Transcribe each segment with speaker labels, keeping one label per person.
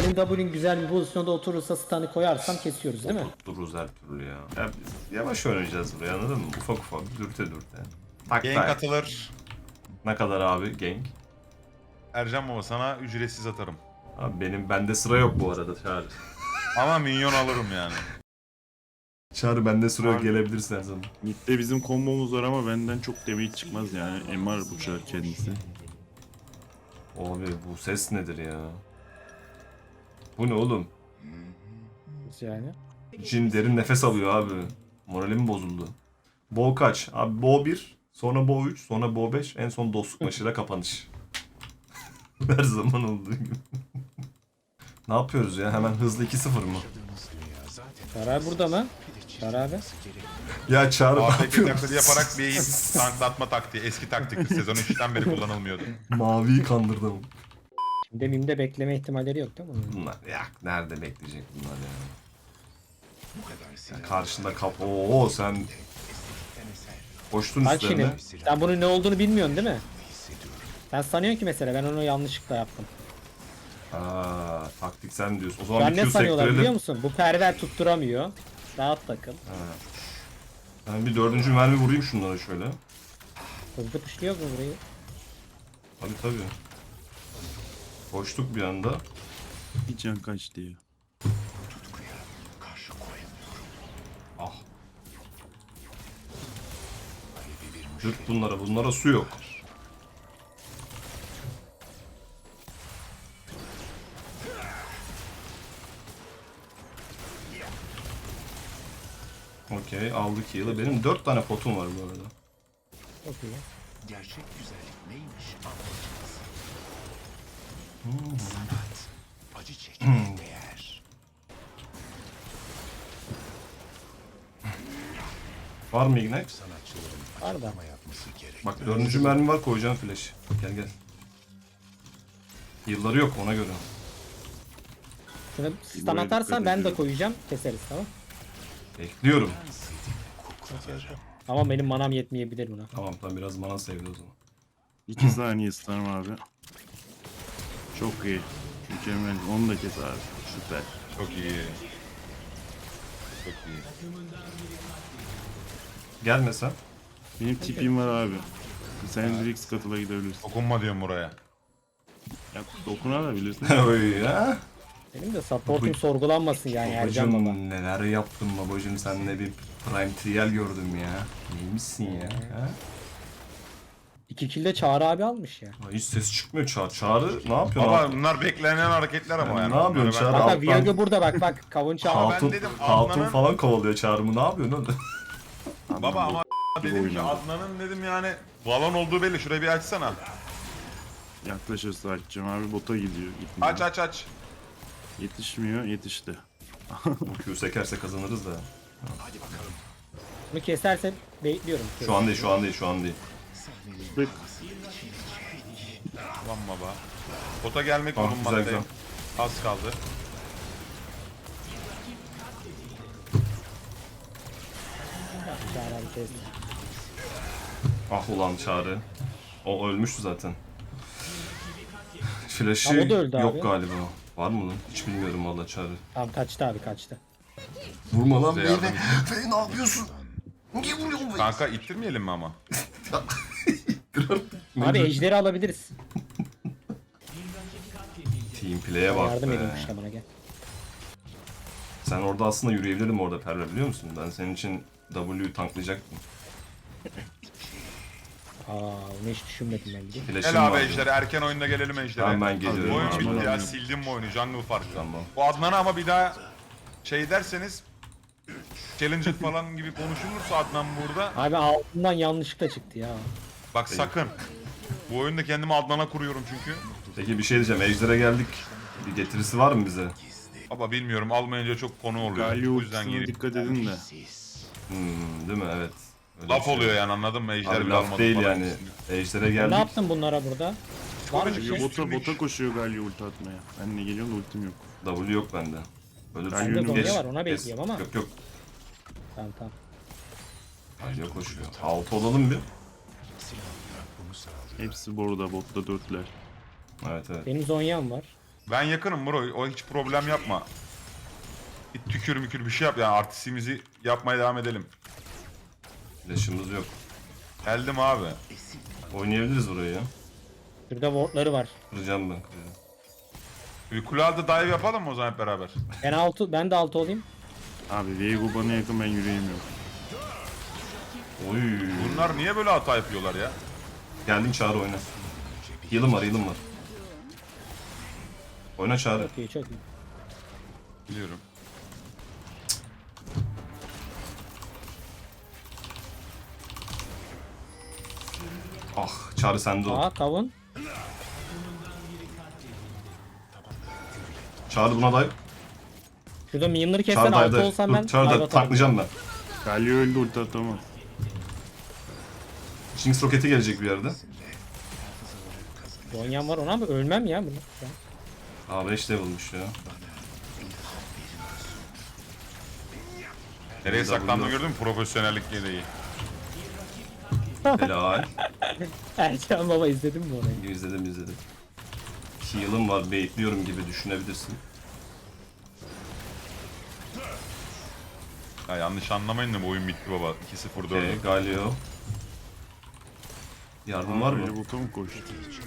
Speaker 1: senin W'nin güzel bir pozisyonda oturursa stun'ı koyarsam kesiyoruz değil mi?
Speaker 2: Dururuz her türlü ya. Ya biz yavaş oynayacağız buraya, anladın mı? Ufak ufak, dürte dürte. Tak
Speaker 3: Gank
Speaker 2: tak.
Speaker 3: atılır.
Speaker 2: Ne kadar abi gank?
Speaker 3: Ercan baba sana ücretsiz atarım.
Speaker 2: Abi bende sıra yok bu arada Çağrı.
Speaker 3: Ama minyon alırım yani.
Speaker 2: Çağrı bende sıra yok,
Speaker 4: Abi.
Speaker 2: gelebilirsin her zaman.
Speaker 4: Mid'de bizim kombomuz var ama benden çok damage çıkmaz yani. MR bu çar kendisi.
Speaker 2: Abi bu ses nedir ya? Bu ne oğlum?
Speaker 1: Nasıl yani?
Speaker 2: Jin derin nefes alıyor abi. Moralim bozuldu. Bo kaç? Abi Bo 1, sonra Bo 3, sonra Bo 5, en son dostluk maçıyla kapanış. Her zaman olduğu gibi. Ne yapıyoruz ya? Hemen hızlı 2-0 mı?
Speaker 1: Çağrı burada mı? Çağrı abi.
Speaker 2: Ya Çağrı ne
Speaker 3: AFK
Speaker 2: yapıyorsun?
Speaker 3: taklidi yaparak bir tanklatma taktiği. Eski taktikti. Sezon 3'ten beri kullanılmıyordu.
Speaker 2: Maviyi kandırdım.
Speaker 1: Şimdi mimde bekleme ihtimalleri yok değil mi?
Speaker 2: Bunlar ya nerede bekleyecek bunlar ya? Ya karşında Oo sen koştun
Speaker 1: Bak
Speaker 2: üstlerine.
Speaker 1: şimdi sen bunun ne olduğunu bilmiyorsun değil mi? Sen sanıyorsun ki mesela ben onu yanlışlıkla yaptım.
Speaker 2: Aa, taktik sen diyorsun. O
Speaker 1: Şu
Speaker 2: zaman
Speaker 1: an
Speaker 2: bir
Speaker 1: ne
Speaker 2: Q
Speaker 1: sanıyorlar biliyor
Speaker 2: sektirelim.
Speaker 1: musun? Bu perver tutturamıyor. Rahat takıl.
Speaker 2: Ben bir dördüncü mermi vurayım şunlara şöyle.
Speaker 1: Hızlı puşluyor mu burayı?
Speaker 2: Tabii tabii. Koştuk bir anda.
Speaker 4: Bir can kaç diye.
Speaker 2: Ah. Dürt bunlara su yok. Okey, aldık heal'ı. Benim 4 tane potum var bu arada.
Speaker 1: Çok iyi.
Speaker 5: Gerçek güzellik neymiş anlatacağız. Sanat, acı çekmeye değer.
Speaker 2: Var mı ignite?
Speaker 5: Sanatçıların
Speaker 1: Var da.
Speaker 5: açıklama yapması gerek.
Speaker 2: Bak dördüncü mermi var, koyacağım flash. Gel gel. Heal'ları yok ona göre.
Speaker 1: Şunu stun atarsan ben de koyacağım. Keseriz tamam.
Speaker 2: Bekliyorum.
Speaker 1: Ama benim manam yetmeyebilir buna.
Speaker 2: Tamam biraz mana sevdi o zaman.
Speaker 4: 2 saniye stun'ım abi. Çok iyi. Mükemmel. Onu da kes abi. Süper.
Speaker 3: Çok iyi. Çok iyi.
Speaker 2: Gelme sen.
Speaker 4: Benim tipim var abi. Sen direkt scuttle'a gidebilirsin.
Speaker 3: Dokunma diyorum buraya.
Speaker 4: Ya dokunabilirsin.
Speaker 2: Oy ya.
Speaker 1: Benim de supportum sorgulanmasın yani Ercan baba.
Speaker 2: Babacım neler yaptın babacım, senle bir prime trial gördüm ya. Neymişsin ya? Ha?
Speaker 1: 2 kilde Çağrı abi almış ya.
Speaker 2: Ay, hiç ses çıkmıyor Çağrı ne yapıyor?
Speaker 3: Baba bunlar beklenen hareketler ama
Speaker 2: Yani
Speaker 3: yani.
Speaker 2: ne yapıyorsun
Speaker 3: Bunları
Speaker 2: Çağrı?
Speaker 3: ben-
Speaker 1: Bak
Speaker 2: alttan-
Speaker 1: Viago burada bak kavun Çağrı.
Speaker 3: Ama ben
Speaker 2: Hatun,
Speaker 3: dedim,
Speaker 2: hatun
Speaker 3: Adnan'ın-
Speaker 2: falan kovalıyor Çağrı'mı, ne yapıyorsun oğlum?
Speaker 3: Baba ama dedim ki
Speaker 4: oynadı.
Speaker 3: Adnan'ın dedim yani balon olduğu belli. Şurayı bir açsana.
Speaker 4: Yaklaşırsa açacağım abi. Bota gidiyor. Gitmiyor.
Speaker 3: Aç.
Speaker 4: Yetişmiyor. Yetişti.
Speaker 2: Bu Q sekerse kazanırız da.
Speaker 1: Bunu keserse bekliyorum.
Speaker 2: Şu an değil.
Speaker 4: Bık.
Speaker 3: Tamam baba. Bota gelmek
Speaker 2: Ah,
Speaker 3: bulunmaktayım.
Speaker 2: güzel.
Speaker 3: Az kaldı.
Speaker 1: Çağrı abi kesti.
Speaker 2: Ah ulan Çağrı. O ölmüştü zaten. Flash'ı
Speaker 1: Ama o da öldü
Speaker 2: yok
Speaker 1: abi.
Speaker 2: galiba. Var mı lan? Hiç bilmiyorum valla Çağrı.
Speaker 1: Tamam kaçtı abi kaçtı.
Speaker 2: Vurma lan
Speaker 3: Size yardım
Speaker 2: beni.
Speaker 3: edeyim.
Speaker 2: Beni ne yapıyorsun? Niye vuruyorsun beni?
Speaker 3: Kanka ittirmeyelim mi ama?
Speaker 1: Abi ejderi alabiliriz.
Speaker 2: Team play'e bak
Speaker 1: Yardım
Speaker 2: be.
Speaker 1: edeyim işte bana gel.
Speaker 2: Sen orada aslında yürüyebilirdin orada Perla, biliyor musun? Ben senin için W'yu tanklayacaktım.
Speaker 1: Bunu hiç düşünmedim ben bile.
Speaker 2: Flash'ım
Speaker 3: Gel abi
Speaker 2: vardı.
Speaker 3: Ejder'e. Erken oyunda gelelim Ejder'e.
Speaker 2: Tamam ben geliyorum.
Speaker 3: Oyun
Speaker 4: Abi,
Speaker 3: bitti ya.
Speaker 4: tamam.
Speaker 3: Sildim mi oyunu? Jungle farkı.
Speaker 2: Tamam.
Speaker 3: Bu Adnan'a ama bir daha şey derseniz Challenger falan gibi konuşulursa Adnan burada.
Speaker 1: Abi altından yanlışlıkla çıktı ya.
Speaker 3: Bak sakın. Bu oyunda kendimi Adnan'a kuruyorum çünkü.
Speaker 2: Peki bir şey diyeceğim. Ejder'e geldik. Bir getirisi var mı bize?
Speaker 3: Baba bilmiyorum almayınca çok konu oluyor.
Speaker 4: Galio
Speaker 3: O yüzden
Speaker 4: ultisine
Speaker 3: gireyim.
Speaker 4: dikkat edin de.
Speaker 2: Değil mi? Evet. Öyle
Speaker 3: Laf
Speaker 2: bir şey.
Speaker 3: oluyor yani anladın mı? Ejder
Speaker 2: Abi
Speaker 3: bile
Speaker 2: laf
Speaker 3: almadı
Speaker 2: değil
Speaker 3: falan.
Speaker 2: yani. Ejder'e
Speaker 1: Ne
Speaker 2: geldik.
Speaker 1: yaptın bunlara burada? Var mı bir şey?
Speaker 4: Bota koşuyor Galio ulti atmaya. Ben de geliyorum da ultim yok.
Speaker 2: W yok bende. Ölürsün.
Speaker 4: Bende
Speaker 1: Zonya
Speaker 2: Geç,
Speaker 1: var, ona
Speaker 2: kes.
Speaker 1: bekliyorum ama.
Speaker 2: Yok.
Speaker 1: Tamam tamam.
Speaker 2: Galio koşuyor. 6 olalım bir.
Speaker 4: Hepsi burada botta dörtler.
Speaker 2: Evet.
Speaker 1: Benim Zonya'm var.
Speaker 3: Ben yakınım bro. O hiç problem yapma. Bir tükür mükür bir şey yap yani artistimizi yapmaya devam edelim.
Speaker 2: Flash'ımız yok.
Speaker 3: Geldim abi.
Speaker 2: Oynayabiliriz burayı ya.
Speaker 1: Şurada wardları var.
Speaker 2: Kıracağım ben. Kıracağım.
Speaker 3: Bir kule altı dive yapalım mı o zaman hep beraber?
Speaker 1: Ben de altı olayım.
Speaker 4: Abi Viego bana yakın, ben yürüyemiyorum.
Speaker 2: Oy.
Speaker 3: Bunlar niye böyle hata yapıyorlar ya?
Speaker 2: Geldin Çağrı oyna. Heal'ım var, heal'ım var. Oyna Çağrı.
Speaker 1: Çok iyi, çok iyi.
Speaker 3: Biliyorum.
Speaker 2: Ah Çağrı sende o.
Speaker 1: Aa kavun.
Speaker 2: Çağrı buna dive.
Speaker 1: Şurada minyonları kessen
Speaker 2: Çağrı
Speaker 1: altı
Speaker 2: dive.
Speaker 1: olsam ben
Speaker 2: Dur Çağrı
Speaker 1: dive
Speaker 2: da
Speaker 1: atarım.
Speaker 2: taklayacağım ben.
Speaker 4: Galio öldü, ulti atamaz.
Speaker 2: Jinx roketi gelecek bir yerde.
Speaker 1: Zonyan var ona ama ölmem ya bunu. Şu an.
Speaker 2: Aa 5 level'mış ya.
Speaker 3: Nereye saklandığını gördün mü? Profesyonellik gereği.
Speaker 2: Helal.
Speaker 1: Ercan baba izledin mi orayı?
Speaker 2: İzledim. Heal'ım var, baitliyorum gibi düşünebilirsin.
Speaker 3: Ya yanlış anlamayın da bu oyun bitti baba. 2-0 4.
Speaker 2: Galio. Yardım var mı?
Speaker 4: Öyle bota mı koştu?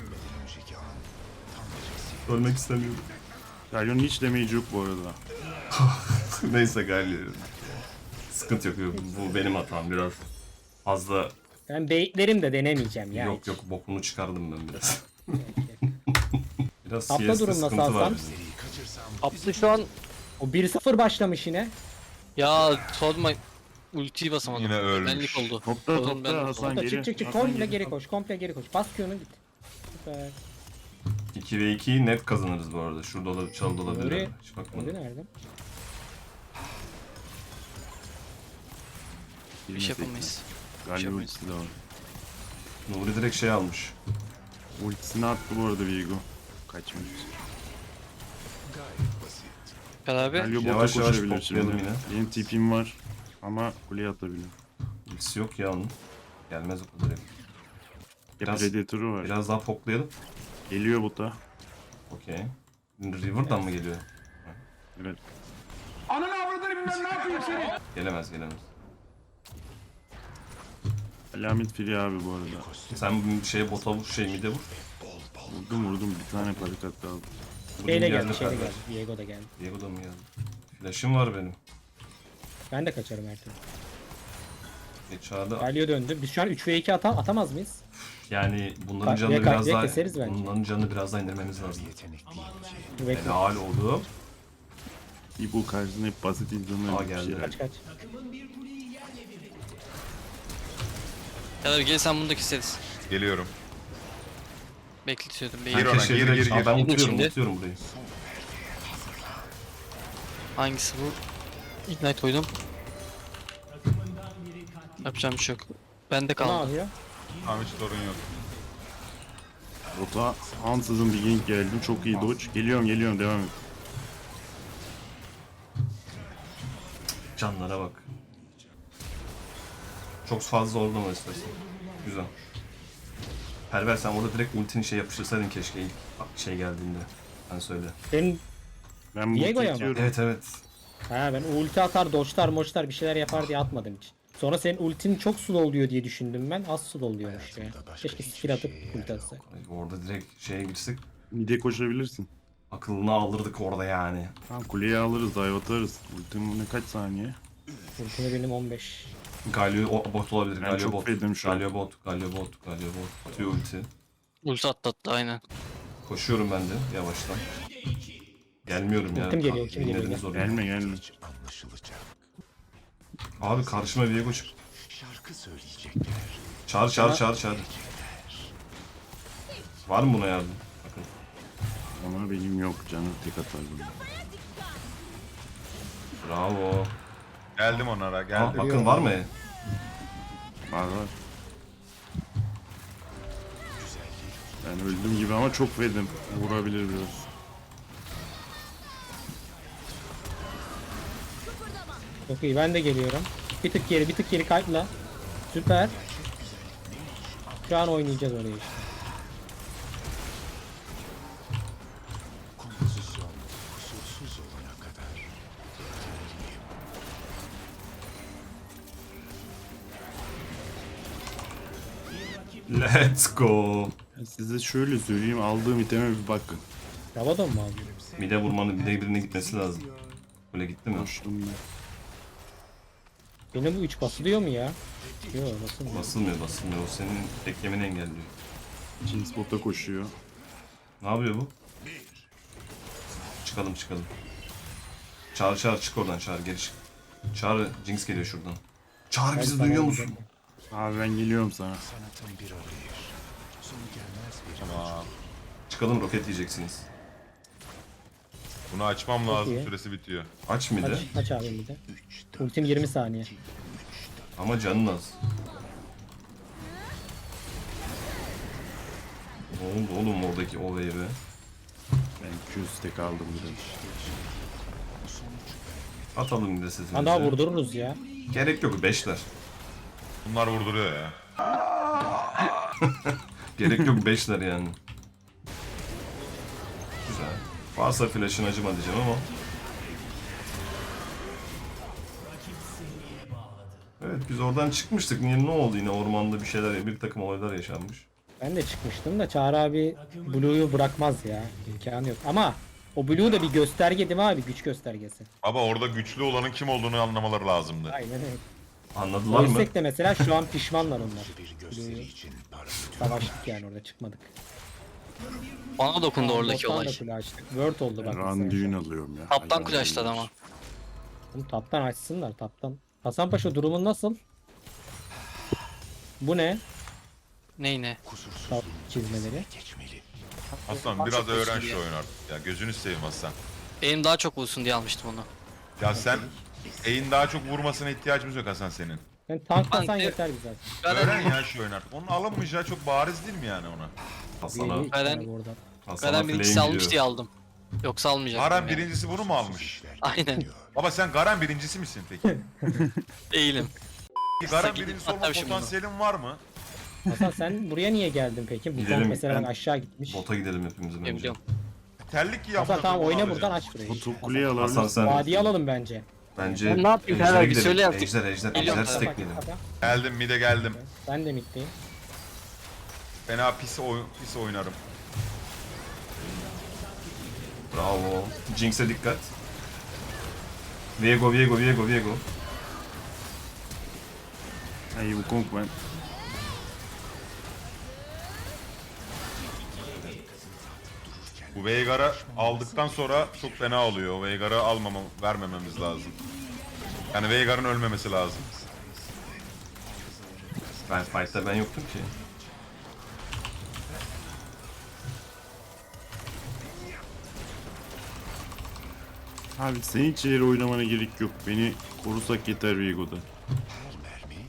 Speaker 2: Ölmek istemiyorum.
Speaker 4: Galio'nun hiç damage yok bu arada.
Speaker 2: Neyse Galio. Sıkıntı yok. Bu benim hatam biraz. Fazla
Speaker 1: Ben baitlerim de denemeyeceğim ya.
Speaker 2: yok
Speaker 1: hiç.
Speaker 2: yok bokunu çıkardım ben biraz. Biraz
Speaker 1: Tapta
Speaker 2: CS'de
Speaker 1: durum nasıl
Speaker 2: sıkıntı var
Speaker 1: Hasan?
Speaker 2: bizim.
Speaker 6: Abdü şu an
Speaker 1: O 1-0 başlamış yine.
Speaker 6: ya sorma ultiyi basamadım.
Speaker 3: Yine ölmüş.
Speaker 6: Benlik oldu.
Speaker 4: Topla
Speaker 6: Oğlum ben-
Speaker 4: topla Hasan
Speaker 1: Orada
Speaker 4: geri.
Speaker 1: çık
Speaker 4: Hasan
Speaker 1: komple geri koş, komple geri koş. Bas Q'nu git. Süper.
Speaker 2: 2 ve 2'yi net kazanırız bu arada. Şurada olabilir, çalda olabilir.
Speaker 1: Nuri-
Speaker 2: Hiç
Speaker 1: Nuri
Speaker 2: bakmadım.
Speaker 1: nerede?
Speaker 6: Bir şey yapamayız.
Speaker 4: Galio ultisi de var.
Speaker 2: Nuri direkt şey almış.
Speaker 4: Ultisini attı bu arada Viego. Kaçmış.
Speaker 6: Beraber
Speaker 4: Galio bota
Speaker 2: Yavaş yavaş
Speaker 4: koşabilir şimdi.
Speaker 2: toplayalım yine.
Speaker 4: Benim tipim var ama kuleye atabilir.
Speaker 2: Ultisi yok ya onun. Gelmez o kadar. Biraz,
Speaker 4: Predator'u var.
Speaker 2: biraz daha poklayalım.
Speaker 4: Geliyor bota.
Speaker 2: Okey. River'dan mı geliyor?
Speaker 4: Evet.
Speaker 2: Gelemez.
Speaker 4: Alamet free abi bu arada.
Speaker 2: Sen bu şeye bota vur, şey mide vur.
Speaker 4: Vurdum bir tane parikat kaldı.
Speaker 1: Şeyle
Speaker 2: geldi,
Speaker 1: geldi, şeyle
Speaker 2: Ferber.
Speaker 1: geldi. Diego da geldi.
Speaker 2: Diego da mı geldi? Flash'ım var benim.
Speaker 1: Ben de kaçarım her türlü.
Speaker 2: Çağda
Speaker 1: Galio döndü. Biz şu an 3 ve 2 atamaz mıyız?
Speaker 2: yani bunların
Speaker 1: Bak,
Speaker 2: canını
Speaker 1: ya
Speaker 2: biraz
Speaker 1: kalpeye
Speaker 2: daha
Speaker 1: keseriz bence.
Speaker 2: bunların canını biraz daha indirmemiz lazım.
Speaker 1: Bekle.
Speaker 2: Helal oldu.
Speaker 4: İbo karşısında hep basit insanlar
Speaker 2: Aa,
Speaker 4: bir
Speaker 2: geldi.
Speaker 4: şey.
Speaker 1: Kaç kaç.
Speaker 6: Beraber gel sen bunu da keseriz.
Speaker 3: Geliyorum.
Speaker 6: Bekletiyordum.
Speaker 3: Gir
Speaker 6: Beyler.
Speaker 3: ona,
Speaker 2: Keşke
Speaker 3: gir,
Speaker 2: direkt-
Speaker 3: gir,
Speaker 2: Aa,
Speaker 3: gir.
Speaker 2: ben
Speaker 6: Gidin
Speaker 2: unutuyorum
Speaker 6: şimdi.
Speaker 2: burayı.
Speaker 6: Hangisi bu? Ignite koydum. Yapacağım bir şey yok. Bende
Speaker 1: Ne
Speaker 6: kaldı.
Speaker 1: yapıyor?
Speaker 3: Tamam hiç sorun yok.
Speaker 4: Bota ansızın bir gank geldi. Çok iyi dodge. Geliyorum devam et.
Speaker 2: Canlara bak. Çok fazla zorlama istersen. Güzel. Perver sen orada direkt ultini şey yapıştırsaydın keşke ilk şey geldiğinde. Ben söyle.
Speaker 1: Senin
Speaker 4: Ben
Speaker 1: Diego'ya
Speaker 4: bota
Speaker 1: mı?
Speaker 4: itiyorum.
Speaker 2: Evet.
Speaker 1: ha ben ulti atar, doçlar, moçlar bir şeyler yapar diye atmadım hiç. Sonra senin ultin çok slow oluyor diye düşündüm ben. Az slow oluyormuş ya. Keşke skill atıp ulti atsak.
Speaker 2: Orada direkt şeye girsek
Speaker 4: Mide koşabilirsin.
Speaker 2: akılını alırdık orada yani.
Speaker 4: Tamam kuleyi alırız, dive atarız. Ultim ne kaç saniye?
Speaker 1: Ultimi benim 15.
Speaker 2: Galio bot olabilir.
Speaker 4: Ben
Speaker 2: Galio
Speaker 4: çok
Speaker 2: bot.
Speaker 4: fedim şu an.
Speaker 2: Galio bot. Atıyor ulti.
Speaker 6: Ulti attı aynen.
Speaker 2: Koşuyorum ben de yavaştan. Gelmiyorum ya.
Speaker 1: Ultim geliyor, ultim geliyor.
Speaker 2: Dinlediniz orayı.
Speaker 4: Gelme.
Speaker 5: Anlaşılacak.
Speaker 2: Abi karşıma Viego çık.
Speaker 5: Şarkı söyleyecekler.
Speaker 2: Çağır. Var mı buna yardım? Bakın.
Speaker 4: Ama benim yok, canı tek atar bana.
Speaker 2: Bravo.
Speaker 3: Geldim onlara
Speaker 2: Aa,
Speaker 3: geldim.
Speaker 2: bakın var mı?
Speaker 4: Var. Ben öldüm gibi ama çok fedim. Vurabilir biraz.
Speaker 1: Çok iyi, ben de geliyorum. Bir tık geri kayıtla. Süper. Şu an oynayacağız orayı işte.
Speaker 2: Let's go.
Speaker 4: Ben size şöyle söyleyeyim, aldığım iteme bir bakın.
Speaker 1: Rabadon mu aldın?
Speaker 2: Mide vurmanın mide birine gitmesi lazım. Böyle gitti mi?
Speaker 4: Koştum ben.
Speaker 1: Benim bu 3 basılıyor mu ya? Yok basılmıyor.
Speaker 2: Basılmıyor basılmıyor. O senin beklemeni engelliyor.
Speaker 4: Jinx bota koşuyor.
Speaker 2: Ne yapıyor bu? Çıkalım çıkalım. Çağır çık oradan Çağır geri çık. Çağır Jinx geliyor şuradan. Çağır bizi duyuyor musun?
Speaker 4: Abi ben geliyorum sana.
Speaker 5: Sanatın bir arayış. Sonu gelmez bir
Speaker 3: Tamam.
Speaker 2: Çıkalım roket yiyeceksiniz.
Speaker 3: Bunu açmam lazım.
Speaker 1: iyi.
Speaker 3: Süresi bitiyor.
Speaker 2: Aç mıydı?
Speaker 1: Aç abi bir de. Ultim 20 saniye.
Speaker 2: Ama canın az. Ne oldu oğlum oradaki olayı be?
Speaker 4: Ben 200 tek aldım biraz.
Speaker 2: Atalım bir de sesimizi.
Speaker 1: Ha daha vurdururuz ya.
Speaker 2: Gerek yok 5'ler.
Speaker 3: Bunlar vurduruyor ya.
Speaker 2: Gerek yok 5'ler yani. Güzel. Varsa flash'ın acıma diyeceğim ama. Evet biz oradan çıkmıştık. Niye ne oldu yine ormanda bir şeyler bir takım olaylar yaşanmış.
Speaker 1: Ben de çıkmıştım da Çağrı abi Blue'yu bırakmaz ya. İmkanı yok. Ama o Blue da bir gösterge değil mi abi? Güç göstergesi.
Speaker 3: Ama orada güçlü olanın kim olduğunu anlamaları lazımdı.
Speaker 1: Aynen öyle.
Speaker 2: Anladılar mı?
Speaker 1: Ölsek de mesela şu an pişmanlar onlar.
Speaker 5: bir gösteri için para.
Speaker 1: Savaştık yani orada çıkmadık.
Speaker 6: Bana dokundu oradaki
Speaker 1: Bottan
Speaker 6: olay.
Speaker 1: da kule açtık. Word oldu bak.
Speaker 4: Ben
Speaker 1: mesela.
Speaker 4: düğün alıyorum ya.
Speaker 6: Taptan
Speaker 4: Hayvan
Speaker 6: kule açtılar
Speaker 4: değiller.
Speaker 6: ama.
Speaker 1: Oğlum taptan açsınlar taptan. Hasan Paşa durumun nasıl? Bu ne?
Speaker 6: Ney ne?
Speaker 1: Tap çizmeleri.
Speaker 5: Geçmeli.
Speaker 3: Aslan biraz
Speaker 6: çok
Speaker 3: öğren
Speaker 6: iyi
Speaker 3: şu
Speaker 6: ya.
Speaker 3: oyunu artık. Ya gözünü seveyim Aslan.
Speaker 6: Benim daha çok bulsun diye almıştım onu.
Speaker 3: Ya sen E'in daha çok vurmasına ihtiyacımız yok Hasan senin.
Speaker 1: Yani tanklasan
Speaker 6: Tank-
Speaker 1: yeter bize zaten.
Speaker 3: Öğren ya şu oyunu artık. Onun alınmayacağı çok bariz değil mi yani ona?
Speaker 2: Hasan'a,
Speaker 1: İyi,
Speaker 6: Garen-
Speaker 1: abi oradan.
Speaker 2: Hasan'a
Speaker 6: Garen
Speaker 2: flame
Speaker 6: birincisi almış
Speaker 2: gidiyor.
Speaker 6: diye aldım. Yoksa almayacaktım
Speaker 3: Garen
Speaker 6: yani.
Speaker 3: birincisi bunu mu almış?
Speaker 6: Aynen.
Speaker 3: Baba sen Garen birincisi misin peki?
Speaker 6: Değilim.
Speaker 3: Garen
Speaker 6: gidip
Speaker 3: birincisi olma
Speaker 6: atlamışım bunu.
Speaker 3: potansiyelin var mı?
Speaker 1: Hasan sen buraya niye geldin peki? Bu
Speaker 2: Gidelim,
Speaker 1: tank mesela
Speaker 2: ben-
Speaker 1: bak aşağı gitmiş.
Speaker 2: Bota gidelim hepimiz bence.
Speaker 6: Biliyorum.
Speaker 3: Terlik giy
Speaker 1: Hasan tamam
Speaker 3: bunu
Speaker 1: oyna
Speaker 3: alacağım.
Speaker 1: buradan aç burayı.
Speaker 4: Botu kuleye
Speaker 2: Hasan
Speaker 4: alabilirsin.
Speaker 2: sen
Speaker 1: Vadiyi alalım bence.
Speaker 2: bence
Speaker 6: Ben ne yapayım
Speaker 2: Ejder'e
Speaker 6: Ferhat abi?
Speaker 2: gidelim.
Speaker 6: Söyle artık.
Speaker 2: Ejder
Speaker 6: Biliyorum
Speaker 2: ejder
Speaker 6: Ferhat.
Speaker 2: stackleyelim.
Speaker 3: Geldim mide geldim.
Speaker 1: Ben de middeyim.
Speaker 3: Fena pis oynarım.
Speaker 2: Bravo. Jinx'e dikkat. Viego.
Speaker 4: Ay bu konk ben.
Speaker 3: Bu Veigar'ı aldıktan sonra çok fena oluyor. O Veigar'ı vermememiz lazım. Yani Veigar'ın ölmemesi lazım.
Speaker 2: Ben fight'ta ben yoktum ki.
Speaker 4: Abi senin hiç ileri oynamana gerek yok. Beni korusak yeter Viego'da.
Speaker 5: Mermi.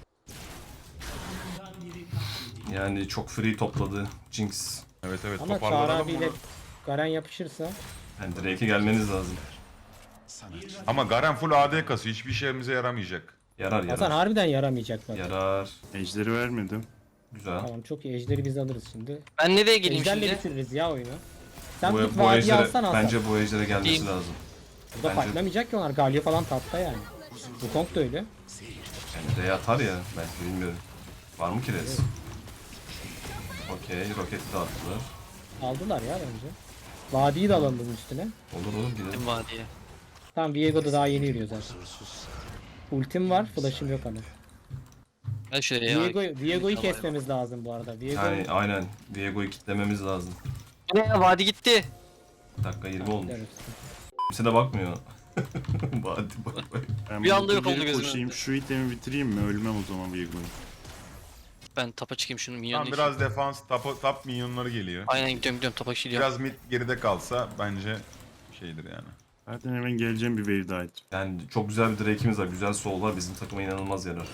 Speaker 2: Yani çok free topladı Jinx.
Speaker 3: Evet
Speaker 1: Ama Çağrı
Speaker 3: toparlayalım
Speaker 1: abiyle
Speaker 3: bunu.
Speaker 1: Garen yapışırsa
Speaker 2: Yani Drake'e gelmeniz lazım.
Speaker 5: Sanatçı.
Speaker 3: Ama Garen full AD kasıyor. Hiçbir işimize yaramayacak.
Speaker 2: Yarar
Speaker 1: Hasan harbiden yaramayacak bak.
Speaker 2: Yarar.
Speaker 4: Ejderi vermedim.
Speaker 2: Güzel.
Speaker 1: Tamam çok iyi ejderi biz alırız şimdi.
Speaker 6: Ben nereye geleyim
Speaker 1: Ejderle
Speaker 6: şimdi?
Speaker 1: bitiririz ya oyunu. Sen
Speaker 2: Bu,
Speaker 1: git
Speaker 2: bu
Speaker 1: vadiyi
Speaker 2: ejdere,
Speaker 1: alsan Hasan.
Speaker 2: bence bu ejdere gelmesi
Speaker 6: Diyeyim.
Speaker 2: lazım.
Speaker 1: Burada
Speaker 2: bence-
Speaker 1: fightlamayacak ki onlar. Galio falan tapta yani. Bu Kong da öyle.
Speaker 2: Yani R'ye atar ya belki bilmiyorum. Var mı ki res? Okey roketi de attılar.
Speaker 1: Aldılar ya bence. Vadiyi de alalım bunun üstüne.
Speaker 2: Olur gidelim.
Speaker 6: Gittim vadiye.
Speaker 1: Tamam Viego da daha yeni yürüyor zaten. Ultim var, flash'ım yok ama.
Speaker 6: Gel şuraya ya.
Speaker 1: Viego'yu kesmemiz lazım bu arada. Viego
Speaker 2: Yani aynen Viego'yu kitlememiz lazım.
Speaker 6: Bu ne ya? Vadi gitti.
Speaker 2: Dakika 20 olmuş.
Speaker 1: Evet.
Speaker 2: Kimse de bakmıyor. Hadi bak.
Speaker 4: Ben
Speaker 6: Bir anda
Speaker 4: botu
Speaker 6: yok oldu
Speaker 4: geri
Speaker 6: gözümün
Speaker 4: koşayım.
Speaker 6: önünde.
Speaker 4: Şu itemi bitireyim mi? Ölmem o zaman Viego'yu.
Speaker 6: Ben tapa çıkayım şunu
Speaker 3: Tam
Speaker 6: minyonla.
Speaker 3: biraz defans, top minyonları geliyor.
Speaker 6: Aynen gidiyorum tapa gidiyorum.
Speaker 3: Biraz mid geride kalsa bence şeydir yani.
Speaker 4: Zaten hemen geleceğim bir wave daha it.
Speaker 2: Yani çok güzel bir Drake'imiz var. Güzel soul var. Bizim takıma inanılmaz yarar.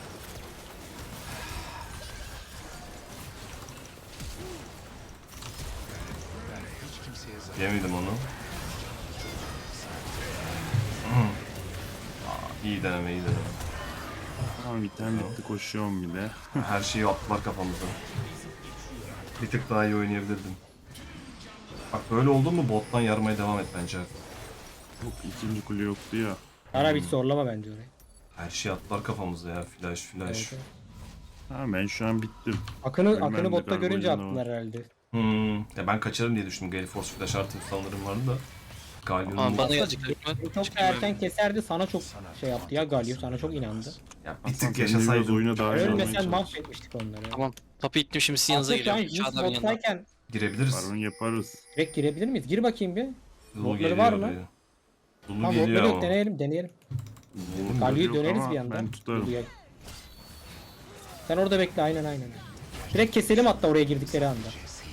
Speaker 5: Hiç kimseye zarar.
Speaker 2: Yemedim onu. İyi deneme iyi deneme.
Speaker 4: Tamam item bitti koşuyorum bir de.
Speaker 2: Her şeyi attılar kafamıza. Bir tık daha iyi oynayabilirdim. Bak böyle oldu mu bottan yarmaya devam et bence.
Speaker 4: Yok ikinci kule yoktu ya.
Speaker 1: Ara hiç zorlama bence orayı.
Speaker 2: Her şeyi attılar kafamıza ya. Flash.
Speaker 1: Evet, evet.
Speaker 4: Ha, ben şu an bittim.
Speaker 1: Akını
Speaker 4: Ölmem de
Speaker 1: botta görünce
Speaker 4: Gargoyle'nin
Speaker 1: attılar herhalde.
Speaker 2: Ya ben kaçarım diye düşündüm. Gale Force flash artı sanırım vardı da. Galyon'un
Speaker 6: Ama bana gelecek büyük ihtimal.
Speaker 1: Çok
Speaker 6: Çıkayım
Speaker 1: erken keserdi, sana çok şey yaptı ya Galio, sana çok inandı.
Speaker 2: ya bir
Speaker 4: Aslan
Speaker 2: tık
Speaker 4: sen de biraz
Speaker 2: yaşasaydım
Speaker 4: oyuna dahil olmaya
Speaker 1: Ölmesen
Speaker 4: çalış.
Speaker 1: mahvetmiştik onları.
Speaker 6: Tamam. Topu ittim şimdi sizin yanınıza
Speaker 1: Aslında şu an
Speaker 6: geliyorum.
Speaker 1: Jinx
Speaker 6: Çağlar yanına.
Speaker 1: bottayken
Speaker 2: girebiliriz.
Speaker 4: Baron yaparız.
Speaker 1: direkt girebilir miyiz? Gir bakayım bir.
Speaker 2: Lulu
Speaker 1: Botları
Speaker 2: geliyor
Speaker 1: var mı?
Speaker 2: oraya. Lulu
Speaker 1: Tamam
Speaker 2: geliyor
Speaker 1: botları yok,
Speaker 2: ama.
Speaker 1: deneyelim.
Speaker 4: Yok
Speaker 1: Galio'yu döneriz
Speaker 4: ama
Speaker 1: bir anda.
Speaker 4: Ben tutarım.
Speaker 1: Lulu'ya. Sen orada bekle, aynen. Direkt keselim hatta oraya girdikleri anda.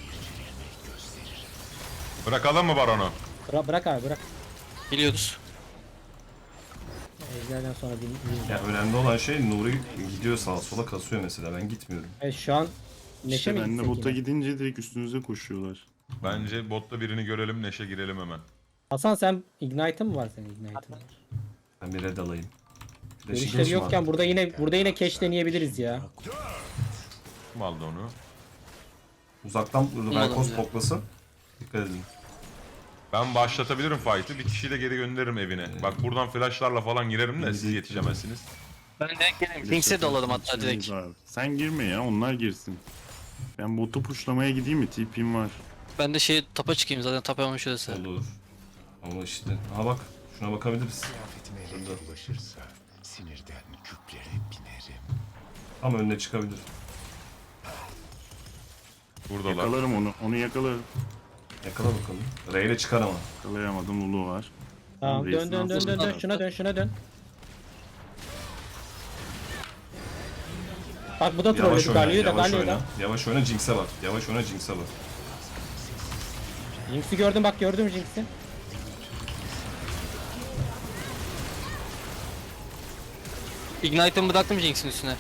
Speaker 3: Bırakalım mı Baron'u?
Speaker 1: Bırak abi, bırak.
Speaker 6: Geliyoruz.
Speaker 1: Ejderden sonra bir
Speaker 2: Ya önemli olan şey Nuri gidiyor sağa sola kasıyor mesela. Ben gitmiyorum.
Speaker 1: Evet, şu an Neşe
Speaker 4: İşte
Speaker 1: mi
Speaker 4: ben de
Speaker 1: gitsek
Speaker 4: bota
Speaker 1: yine?
Speaker 4: gidince direkt üstünüze koşuyorlar.
Speaker 3: Bence botta birini görelim, Neşe girelim hemen.
Speaker 1: Hasan sen Ignite'ın mı var senin Ignite'ın?
Speaker 2: Ben bir red alayım.
Speaker 1: Görüşleri yokken burada yine cash deneyebiliriz ya.
Speaker 3: Kim aldı onu?
Speaker 2: Uzaktan Velkos
Speaker 6: ya.
Speaker 2: poklasın. Dikkat edin.
Speaker 3: Ben başlatabilirim fight'ı. Bir kişiyi de geri gönderirim evine. Bak buradan flashlarla falan girerim de siz yetişemezsiniz.
Speaker 6: Ben direkt geleyim. Kings'e de alalım hatta direkt.
Speaker 4: Şeyimiz var. Sen girme ya, onlar girsin. Ben botu puşlamaya gideyim mi? TP'm var.
Speaker 6: Ben de şey tapa çıkayım zaten tapa olmuş şurası.
Speaker 2: Olur. Ama işte. Aha bak. Şuna bakabiliriz.
Speaker 5: Kıyafetime renk bulaşırsa sinirden küplere binerim.
Speaker 2: Ama önüne çıkabilir.
Speaker 3: Buradalar.
Speaker 4: Yakalarım onu. Onu yakalarım.
Speaker 2: Yakala bakalım. Ray ile çıkar ama.
Speaker 4: Yakalayamadım. Lulu var.
Speaker 1: Tamam
Speaker 4: Reis'in
Speaker 1: dön.
Speaker 4: altında.
Speaker 1: Şuna dön. Bak bu da
Speaker 2: Yavaş
Speaker 1: trolledi.
Speaker 2: oyna.
Speaker 1: Galio'yu da
Speaker 2: Yavaş
Speaker 1: Galio'yu
Speaker 2: oyna.
Speaker 1: da.
Speaker 2: Yavaş oyna Jinx'e bak. Yavaş oyna Jinx'e bak.
Speaker 1: Jinx'i gördüm, bak gördüm Jinx'i.
Speaker 6: Ignite'ımı bıraktım Jinx'in üstüne.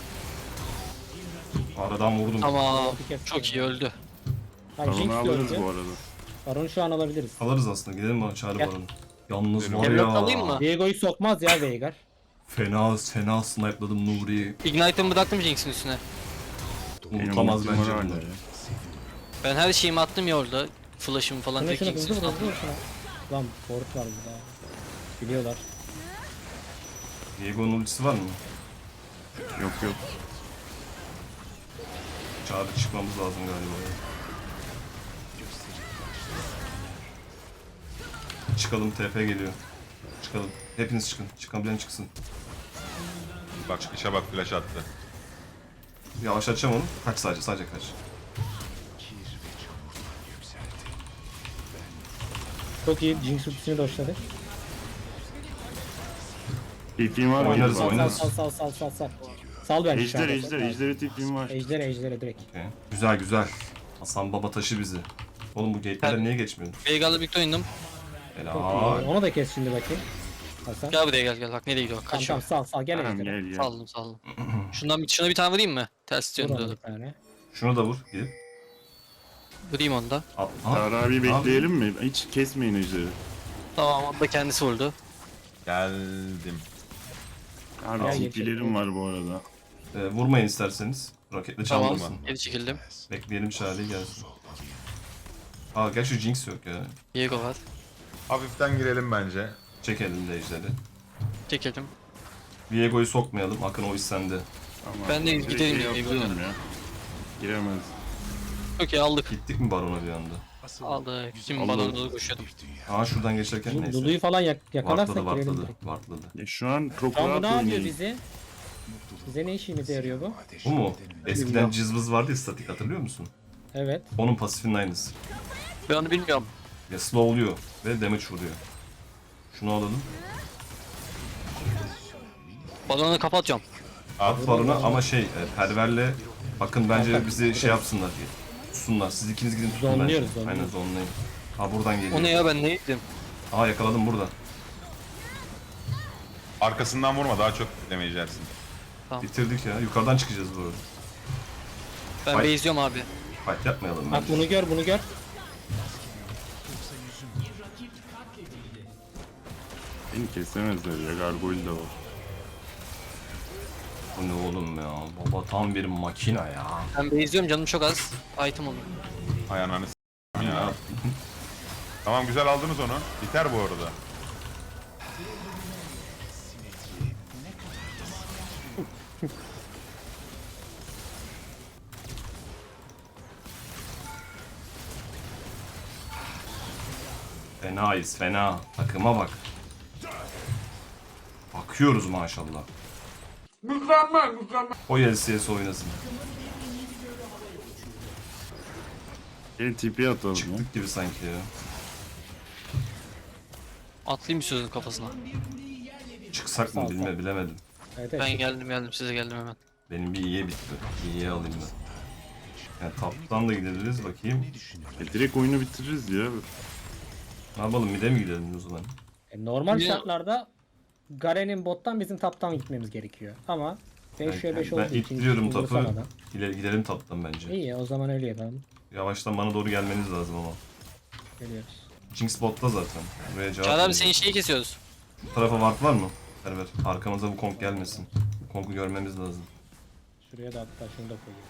Speaker 2: Aradan vurdum.
Speaker 6: Tamam.
Speaker 1: Bir kez
Speaker 6: Çok iyi öldü.
Speaker 1: Tamam Jinx
Speaker 4: Baron'u alırız
Speaker 1: gördü.
Speaker 4: bu arada.
Speaker 1: Baron'u şu an alabiliriz.
Speaker 2: Alırız aslında. Gidelim mi Çağrı
Speaker 1: Gel.
Speaker 2: Baron'u? Yalnız var
Speaker 6: Emlak alayım
Speaker 2: ya.
Speaker 6: mı?
Speaker 1: Diego'yu sokmaz ya Veigar.
Speaker 2: Fena snipe'ladım Nuri'yi.
Speaker 6: Ignite'ımı bıraktım Jinx'in üstüne.
Speaker 2: Unutamaz
Speaker 4: Benim ultim
Speaker 2: bence
Speaker 4: var hala
Speaker 2: bunları.
Speaker 4: ya.
Speaker 6: Ben her şeyimi attım ya orada. Flash'ımı falan
Speaker 1: Şuna
Speaker 6: direkt
Speaker 1: hızlı
Speaker 6: Jinx'in
Speaker 1: vur
Speaker 6: üstüne
Speaker 1: hızlı vur
Speaker 6: attım.
Speaker 1: şuna. Lan Ford var burada. Biliyorlar.
Speaker 2: Diego'nun ultisi var mı?
Speaker 4: Yok.
Speaker 2: Çağrı çıkmamız lazım galiba. ya. Çıkalım, TP geliyor. Çıkalım. Hepiniz çıkın. Çıkabilen çıksın.
Speaker 3: Bak işe bak flash attı.
Speaker 2: Yavaşlatacağım onu. Kaç sadece kaç.
Speaker 1: Çok iyi. Jinx ultisini doşladı.
Speaker 4: TP'm var mı?
Speaker 2: Oynarız,
Speaker 1: Sal
Speaker 2: oynarız.
Speaker 1: sal. Sal bence şu anda.
Speaker 4: Ejder'e TP'm var.
Speaker 1: Ejder'e direkt.
Speaker 2: Okey. Güzel. Hasan Baba taşı bizi. Oğlum bu gate'lerden niye geçmiyorsun?
Speaker 6: Veigar'la birlikte oynadım.
Speaker 2: Helal.
Speaker 1: Onu da kes şimdi bakayım. Hasan.
Speaker 6: Gel buraya gel. Bak nereye gidiyor?
Speaker 1: Tamam
Speaker 6: Kaçıyor.
Speaker 1: sal gel
Speaker 4: Tamam
Speaker 1: Ejder'e.
Speaker 4: gel.
Speaker 6: Saldım. Şuna bir tane vurayım mı? Ters
Speaker 1: Vur ona
Speaker 6: yönde.
Speaker 1: bir tane.
Speaker 2: Şunu da vur. Gidip.
Speaker 6: Vurayım onu da.
Speaker 2: Al.
Speaker 4: Çağrı abi bekleyelim mi? Hiç kesmeyin Ejder'i.
Speaker 6: Tamam onu da kendisi vurdu.
Speaker 3: Geldim.
Speaker 4: Abi
Speaker 1: Gel,
Speaker 4: TP'lerim var bu arada.
Speaker 2: Vurmayın isterseniz. Raketle
Speaker 6: Tamam.
Speaker 2: çalmasın.
Speaker 6: Geri çekildim.
Speaker 2: Bekleyelim Charlie gelsin. Aa gel şu Jinx yok ya.
Speaker 6: Viego var.
Speaker 3: Hafiften girelim bence.
Speaker 2: Çek elinde ejderi.
Speaker 6: Çekildim.
Speaker 2: Viego'yu sokmayalım. Akın o iş sende.
Speaker 4: Tamam.
Speaker 6: Ben de
Speaker 4: Direkt
Speaker 6: gidelim ya,
Speaker 4: yapıyorum ya. Giremez.
Speaker 6: Çok iyi aldık.
Speaker 2: Gittik mi Baron'a bir anda?
Speaker 6: Aldık. Şimdi
Speaker 4: Aldım.
Speaker 6: bana doğru koşuyordum.
Speaker 2: Aa şuradan geçerken neyse.
Speaker 1: Lulu'yu falan yakalarsak girelim
Speaker 2: Vartladı.
Speaker 1: direkt.
Speaker 2: Vartladı.
Speaker 4: Ya şu an çok
Speaker 1: Tamam bu
Speaker 4: rahat
Speaker 1: ne yapıyor
Speaker 4: oynayın.
Speaker 1: bize? Bize ne işimize yarıyor bu?
Speaker 2: Bu mu? Eskiden cızbız vardı ya statik hatırlıyor musun?
Speaker 1: Evet.
Speaker 2: Onun pasifinin aynısı.
Speaker 6: Ben onu bilmiyorum.
Speaker 2: Ya slow oluyor ve damage vuruyor. Şunu alalım.
Speaker 6: Balonu kapatıyorum.
Speaker 2: At Baron'a ama perverle bakın bence bizi şey yapsınlar diye. Tutsunlar. Siz ikiniz gidin tutun bence.
Speaker 1: Zonluyoruz, zonluyoruz.
Speaker 2: Aynen zonlayın. Ha buradan geliyor.
Speaker 6: O ne ya ben ne yedim?
Speaker 2: Aa yakaladım burada.
Speaker 3: Arkasından vurma daha çok damage yersin.
Speaker 2: Bitirdik ya. Yukarıdan çıkacağız bu arada.
Speaker 6: Ben
Speaker 2: Ay.
Speaker 6: base'liyorum abi.
Speaker 2: Fight yapmayalım
Speaker 1: Bak
Speaker 2: bence.
Speaker 1: bunu gör.
Speaker 4: Beni kesemezler ya. Gargoyle de var.
Speaker 2: Bu ne oğlum ya? Baba tam bir makina ya.
Speaker 6: Ben base'liyorum canım çok az. Item olur.
Speaker 3: Hay ananı s**tim ya. Tamam güzel aldınız onu. Biter bu arada.
Speaker 2: Fenayız fena. Takıma bak. Bakıyoruz maşallah. Mükemmel. O LCS oynasın.
Speaker 4: Gelin tipi atalım ya.
Speaker 2: Çıktık gibi sanki ya.
Speaker 6: Atlayayım sözün kafasına.
Speaker 2: Çıksak mı bilemedim.
Speaker 1: Evet,
Speaker 6: Ben
Speaker 1: evet.
Speaker 6: geldim size geldim hemen.
Speaker 2: Benim bir iyiye bitti. İyiye alayım ben. Yani taptan da gideriz bakayım.
Speaker 4: Direkt oyunu bitiririz ya.
Speaker 2: Ne yapalım mid'e mi gidelim o zaman?
Speaker 1: Normal
Speaker 6: Ya-
Speaker 1: şartlarda Garen'in bottan bizim taptan gitmemiz gerekiyor. Ama 5'e 5 olduğu
Speaker 2: Ben
Speaker 1: için
Speaker 2: ittiriyorum
Speaker 1: hiç
Speaker 2: tapı.
Speaker 1: umursamadan.
Speaker 2: Gidelim taptan bence.
Speaker 1: İyi o zaman öyle yapalım.
Speaker 2: Yavaştan bana doğru gelmeniz lazım ama.
Speaker 1: Geliyoruz.
Speaker 2: Jinx botta zaten. Buraya cevap
Speaker 6: Çağrı abi
Speaker 2: verecek.
Speaker 6: senin şeyi kesiyoruz.
Speaker 2: Bu tarafa ward var mı? Ver. Arkamıza bu konk gelmesin. Bu konku görmemiz lazım.
Speaker 1: Şuraya da hatta şunu da koyayım.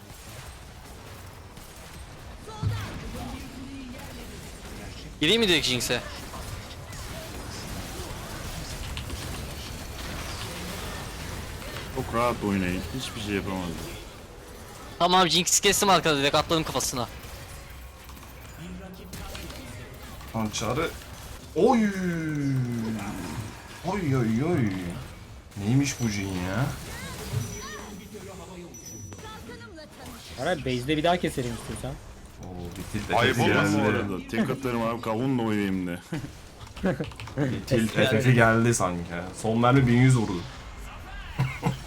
Speaker 6: Gireyim mi direkt Jinx'e?
Speaker 4: Çok rahat oynayın. Hiçbir şey yapamazlar.
Speaker 6: Tamam abi Jinx'i kestim arkada direkt atladım kafasına.
Speaker 2: Hançarı. Oy! Oy oy oy. Neymiş bu Jin ya?
Speaker 1: Ara base'de bir daha keselim istiyorsan.
Speaker 2: Oo bitil
Speaker 3: Ayıp
Speaker 2: efekti
Speaker 3: olmasın
Speaker 4: Bu
Speaker 2: geldi.
Speaker 4: arada tek atarım abi kavunla oynayayım de.
Speaker 2: Bitil efekti geldi sanki. Son mermi 1100 vurdu.